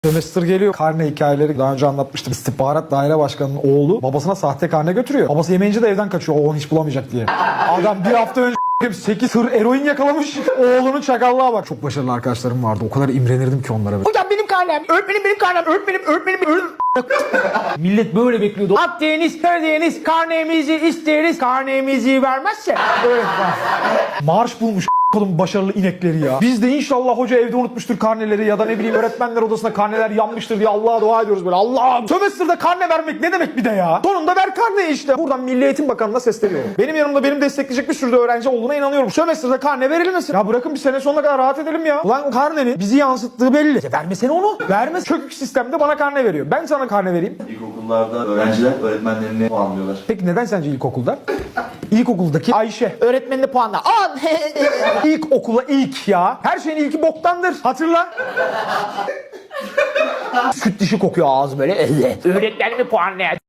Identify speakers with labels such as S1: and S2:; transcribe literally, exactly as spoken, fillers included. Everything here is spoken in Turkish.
S1: Sömestr geliyor. Karne hikayeleri daha önce anlatmıştım. İstihbarat daire başkanının oğlu babasına sahte karne götürüyor. Babası yemeyince de evden kaçıyor. O onu hiç bulamayacak diye. Adam bir hafta önce sekiz tır eroin yakalamış. Oğlunun çakallığa bak. Çok başarılı arkadaşlarım vardı. O kadar imrenirdim ki onlara. Hocam benim karnem. Öğretmenim benim karnem. Öğretmenim öğretmenim. öğretmenim. Millet böyle bekliyordu. Akdeniz, Karadeniz, karnemizi isteriz. Karnemizi vermezse öğretmen. Marş bulmuş oğlum başarılı inekleri ya. Biz de inşallah hoca evde unutmuştur karneleri ya da ne bileyim öğretmenler odasında karneler yanmıştır diye Allah'a dua ediyoruz böyle. Allah'ım. Sömestr'da karne vermek ne demek bir de ya? Sonunda ver karneyi işte. Buradan Milli Eğitim Bakanı'na sesleniyorum. Benim yanımda benim destekleyecek bir sürü de öğrenci olduğuna inanıyorum. Sömestr'da karne verilmesin. Ya bırakın bir sene sonuna kadar rahat edelim ya. Ulan karnenin bizi yansıttığı belli. Ya vermesene onu. Vermez. Çökük sistemde bana karne veriyor. Ben sana karne vereyim.
S2: İlkokullarda öğrenciler öğretmenlerini puanlıyorlar.
S1: Peki neden sence ilkokulda? İlkokuldaki Ayşe öğretmenine puanla. An! İlk okula ilk ya. Her şeyin ilki boktandır. Hatırla. Süt dişi kokuyor ağzı böyle. Öğretmenimi puanlayan.